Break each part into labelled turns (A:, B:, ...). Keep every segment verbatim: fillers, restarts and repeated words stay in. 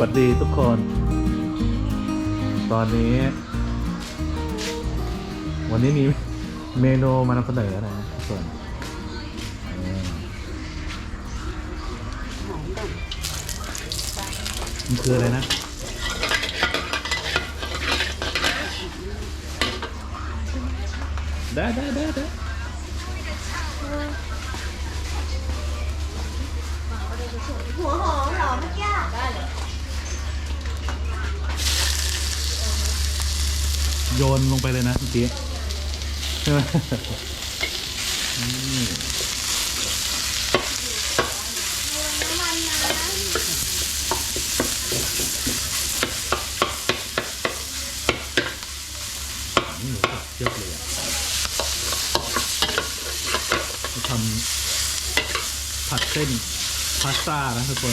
A: วัสดีทุกคน ตอนนี้ วันนี้มีเมนูมานำเสนอนะทุกคนมันคืออะไรนะ ได้ได้ได้ได้
B: หัวหอมเหรอเมื่อกี้ได้เลย
A: โยนลงไปเลยนะเมื่อกี้ใช่ไหมอืมหมูสับเยอะเลยอ่ะทำผัดเส้นพาสต้านะทุกคน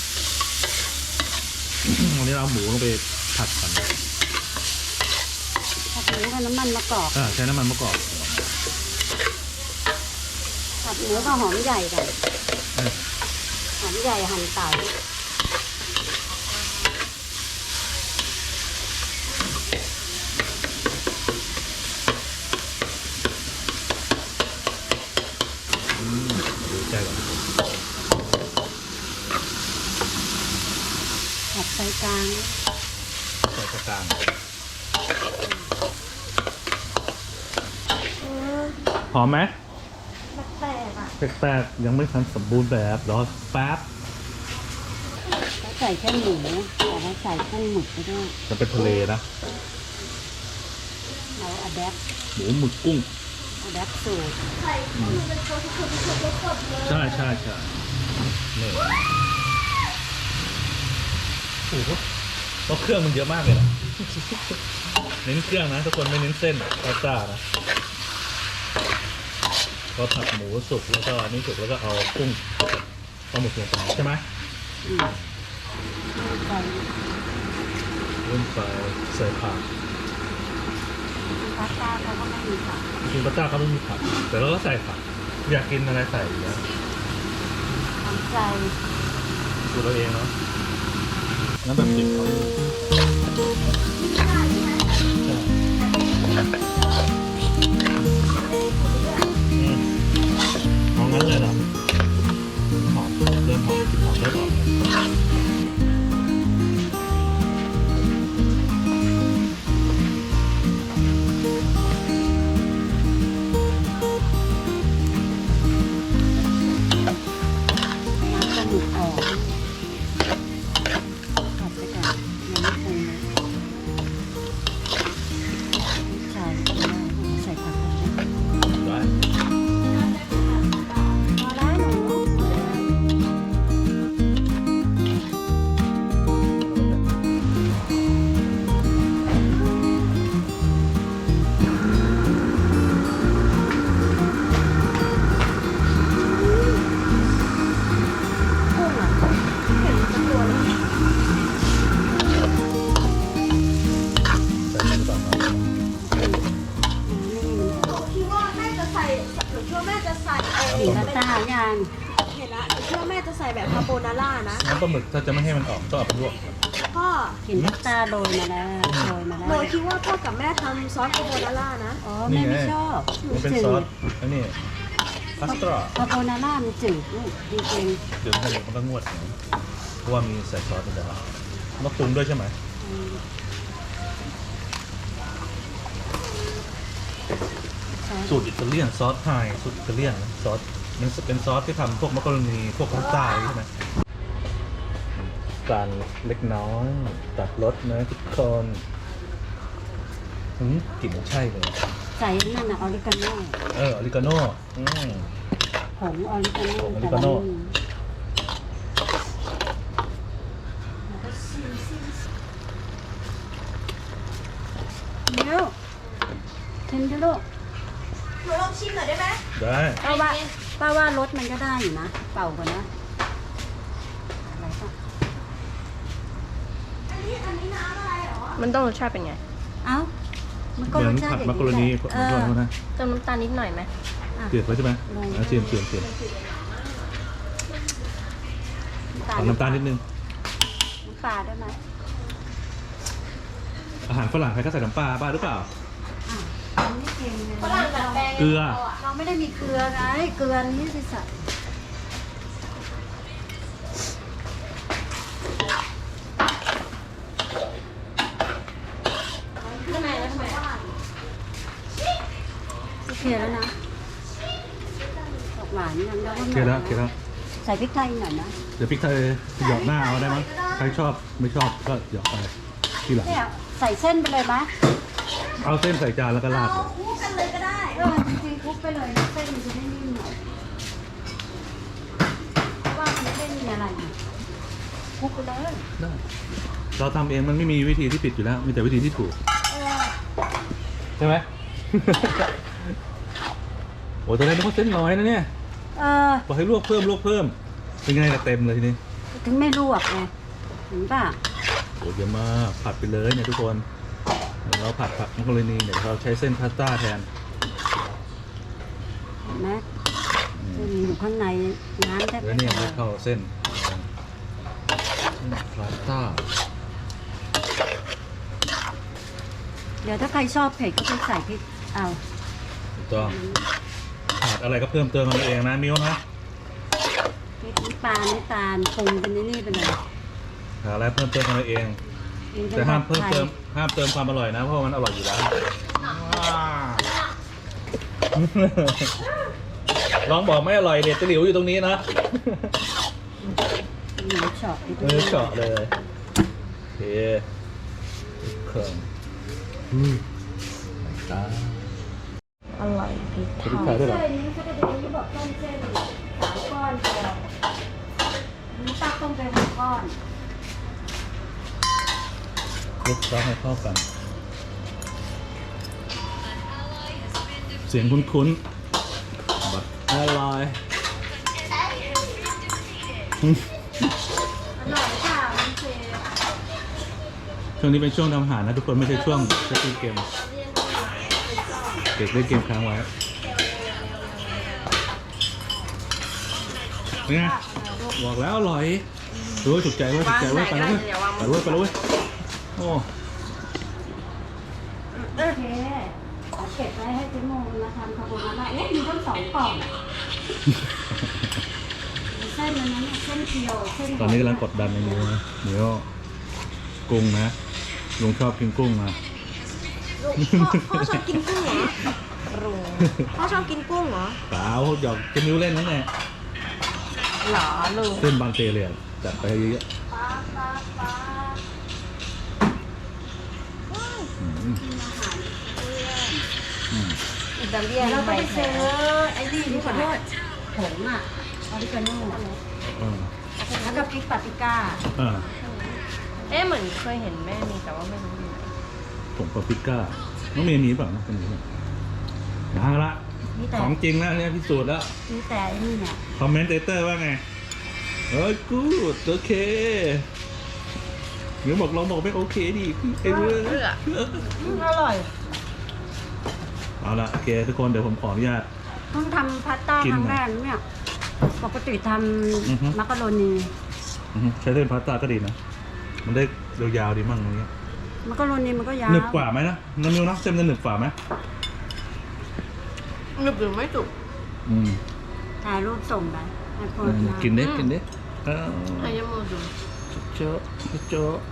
A: วันนี้เราเอาหมูลงไปผัดก่อน
C: ผัดหมูกับน้ำมันมะกอก
A: อ่าใช้น้ำมันมะกอก
C: ผัดหมูกับหอมใหญ่กัน
A: เออ
C: หอมใหญ่หั่นเต๋า
A: อืมดูใจก่อน
C: ผัดไฟกลาง
A: ใส่กลางหอมไหม
B: แปลกๆอ่ะ
A: แปลกๆยังไม่ทันสมบูรณ์แบบรอแป๊บ
C: แล้วใส่แค่หมูแต่ว่าใส่กุ้งหมึกไปด้วย
A: มันเป็นทะเลนะ
C: เราอะแดป
A: หมูหมึกกุ้ง
C: อะแดปสูตร
B: ไข่คือเป็นตัวที่คนที่คนได้กดเลย
A: ใช่ใช่ใช่นี่โอ้โหเพราะเครื่องมันเยอะมากเลยนะ เน้นเครื่องนะทุกคนไม่เน้นเส้นพาสต้านะพอผัดหมูสุกแล้วก็อันนี้สุกแล้วก็เอากุ้งปลาหมึกลงไปใช่ไหม
C: อืมใส่
A: เริ่มไปใส่ผัก
C: พาสต้าเขาก็ไม่มีผัก
A: จริงๆพาสต้าเขาไม่มีผักแต่เราก็ใส่ผักอยากกินอะไรใส่อยู่แล้ว
C: ทำใจ
A: ดูเราเองเนาะงั้นแบบดิบก่อนใช่อืมเอางั้นเลยเหรอหอมเริ่มหอมกลิ่นหอมเริ่มออกแล้ว
C: น้ำปลาหมึกออกผัดไปก่อนยังไม่ปรุงนะใส่ใส่ผักกันนะ
A: ได้
C: พอแล้วหนูกุ้งอ่ะ
B: เห็นเป็นตัวแล้ว
A: ใส่หรือเปล่าครับ
B: หนูคิดว่าแม่จะใส่หนูคิดว่าแม่จะใส่เอ
C: สี
B: อ
C: น้ำตาลยาง
B: เห็นละหนูคิดว่าแม่จะใส่แบบคาโบนาร่านะ
A: น้ำปลาหมึกถ้าจะไม่ให้มันออกต้องเอาไปลวก
B: พ่อ
C: เห็นน้ำตาลโรยมาแล้วโรยมา
B: ห
C: แล้
B: นู
C: ว
B: คิดว่าพ่อกับแม่ทำซอสคาโบนาร่านะ
C: อ๋อแม่ไม่ชอบ
A: มันเป็นซอสอันนี้พาสต้า
C: คาโบนาร่ามันจืดลูกจริง
A: เดี๋ยวมันมันก็งวดอย่างนี้เพราะว่ามีใส่ซอสในแต่ละต้องปรุงด้วยใช่ไหม
C: ๆอืมซอส
A: สูตรอิตาเลียนซอสไทยสูตรอิตาเลียนนะซอสมันเป็นซอสที่ทำพวกมักกะโรนีพวกพาสต้าใช่ไหมการเล็กน้อยตัดรสนะทุกคนอืมกลิ่นใช่เลย
C: ใส่นั่นน่ะออริกาโน่
A: เออออริกาโน่อืม
C: ผงออริกาโน่
A: ผงออริกาโน่
C: เดี๋ยวชิมดูลูก
B: หนูลองชิมหน่อยได้ไหม
A: ได้
C: ป้าว่าป้าว่ารสมันก็ได้อยู่นะ เป่าก่อนนะอะไรก็
B: อันนี้อันนี้น้ำอะไรเหรอ
D: มันต้องรสชาติเป็นไง
C: เอ้ามันก็
A: เหมื
C: ร
A: อน
C: สชาติ
A: ผัด
C: อย่าง
A: มักกะโรนี
C: นี้
A: ผม
C: แหละ
A: ชอบนะ
D: เติมน้ำตาลนิดหน่อยไหม
C: อ่ะ
A: เกลือไว้ใช่ไหม
C: ลอง
A: อ่ะเจียมเจียมเจียมขอน้ำตาลนิดนึง
C: น้ำปลาได้ไหม
A: อาหารฝรั่งใครก็ใส่น้ำปลาบ้าหรือเปล่า
C: อ่ะอันนี้เค็มเลย
B: ฝรั่งดัดแปลง
A: เกลือ
C: เราไม่ได้มีเกลือไงเกลือนี้สิสัตว์
B: ข้างในแล้วทำไม
C: โอเคแล้วนะออกหวานยังแล้วก็
A: โอเคแล้วโอเคแล้ว
C: ใส่พริกไทยหน่อยนะ
A: เดี๋ยวพริกไทยหยอกหน้าเอาได้มั้ยใครชอบไม่ชอบก็หยอกไปทีหลัง
C: เนี่ยใส่เส้นไปเลยไหม
A: เอาเส้นใส่จานแล้วก็ราด
B: เอาคู่กันเลยก็ได้
C: เออจริงๆคลุกไปเลยนะเส้นมันจะได้นิ่มหน่อยเพราะว่ามันไม่ได้มีอะไรนี่คลุกไปเลย
A: ได้เราทำเองมันไม่มีวิธีที่ผิดอยู่แล้วมีแต่วิธีที่ถูก
C: เออ
A: ใช่ไหม โอ้ตอนแรกนึกว่าเส้นน้อยนะเนี่ย
C: เออ
A: บอกให้ลวกเพิ่มลวกเพิ่มเป็นไงล่ะเต็มเลยทีนี้
C: ถึงไม่ลวกไงเห็นป่ะ
A: โอ้เยอะมากผัดไปเลยเนี่ยทุกคนเดี๋ยวเราผัดผักมักกะโรนีเดี๋ยวเราใช้เส้นพาสต้าแทน
C: เห็นไหมเส้นอยู่ข้างในน้ำแทบ
A: แล้ว
C: ไม่
A: เนี่ย
C: พ
A: ไม่
C: อ
A: เข้าเส้นเส้นพาสต้า
C: เดี๋ยวถ้าใครชอบเผ็ดก็ไปใส่พริกเอา
A: ถูกต้องขาดอะไรก็เพิ่มเติมกันเองนะมิ้วนะ
C: พริกน้ำปลาน้ำตาลปรุงเป็นนี่ไปเลย
A: หาอะไรเพิ่มเติมกันเอง แต่ห้ามเพิ่มเติมห้ามเติมความอร่อยนะเพราะว่ามันอร่อยอยู่แล้วลองบอกไม่อร่อยเด็ดตะหลิวอยู่ตรงนี้นะ
C: หมูเฉาะ
A: เออเฉาะเลยโอเคเครื่องอืมตา
B: อร่อยพริก
A: พริกไทยด้วยเหรอ
C: เส้นนี้เขาจะดูที่บอกต้มเส้นสามก้อนพอนี่ตักต้มไปหกก้อน
A: คลุกเคล้าให้เข้ากัน เสียงคุ้นๆบัดอร่อย
C: อร่อยค่ะมันเชฟ
A: ช่วงนี้เป็นช่วงทำอาหารนะทุกคนไม่ใช่ช่วงจะเล่นเกมเด็กเล่นเกมค้างไว้เป็นไงบอกแล้วอร่อยดูว่าถูกใจเว่าถูกใจเว่าไปแล้วเว้ยไปแล้วเว้ยไปแล้วเว้ยโอ้
C: โอเคเอาเก็บไว้ให้พี่โมมาทำคาโบนาร่าเอ๊ะมีทั้งสองกล่องเส้นนั้นน่ะเส้นเคียวเส้น
A: ตอนนี้กำลังกดดันในมือนะเดี๋ยวกุ้งนะลุงชอบกินกุ้งนะ
B: พ่อชอบกินกุ้งเหรอรู้พ่อชอบกินกุ้งเหรอ
A: เปล่าหยอกจะนิ้วเล่นนั่นแหละ
B: หรอลูก
A: เส้นบางเตเลยอะจัดไปเยอะ
C: ปลาปลาปลา
A: ๆอืมอืม
B: อิตาเลียน
C: เราก็ไปซื้อ
B: ไอ้
C: ไอ้
B: นี่
C: นี่
B: นี่
C: ดี
B: ข
C: ก
B: อ
C: ว่า
B: โทษ
C: ผงอ่ะออริกาโน่
A: เออ
C: แล้วก็พริกปาปริก้า
A: เออ
B: เอ๊ะเหมือนเคยเห็นแม่มีแต่ว่าไม่รู้อยู่ไหน
A: ผงปาปริก้าน้องเมย์มีเปล่าน้องเมย์มีเปล่ามาละ
C: มีแต่
A: ของจริงแล้วเนี่ยพิสูจน์แล้ว
C: มีแต่ไอ้นี่เนี่ย
A: คอมเมนเตอร์ว่าไงเอ้ยกูดโอเคหรือบอกลองบอกไม่โอเคดิไอ้เรื่อง
B: อร่อย
A: เอาละโอเคทุกคนเดี๋ยวผมขออนุญาต
C: เพิ่งทำพาสต้า
A: กิน
C: ครั้ง
A: หน่
C: แร
A: อย
C: กเนี่ยปกติท
A: อือฮึ
C: ำมักกะโรนี
A: อือฮึใช้เส้นพาสต้าก็ดีนะ มันได้ยาวๆดีมั่งตรงนี้ย
C: มักกะโรนีมันก็ยาว
A: หนึบกว่าไหมนะน้ำมิวนะเส้นมันจะหนึบกว่าไหม
B: หนึบหรือไม่จุก
A: อืม
C: ถ่ายรูปส่งไปให้พ่อ
A: อืม
C: ทาน
A: กินเด้กินเด้เออ
B: ไอ้ยมูดู
A: โจ๊ะโจ๊ะ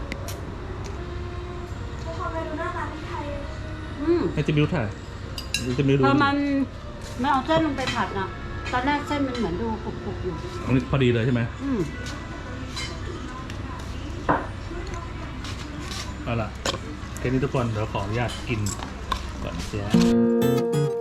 B: พอไปดูหน้าตาที่ไทย
C: อืม
A: ให้จะมิวถ่ายจะมิวดู
C: พอมันไม่เอาเส้นลงไปผัดอ่ะตอนแรกเส้นมันเหมือนดูกรุบๆอยู่
A: อันนี้พอดีเลยใช่ไหม
C: อืม
A: เอาล่ะแค่นี้ทุกคนเดี๋ยวขออนุญาตกินก่อนเสีย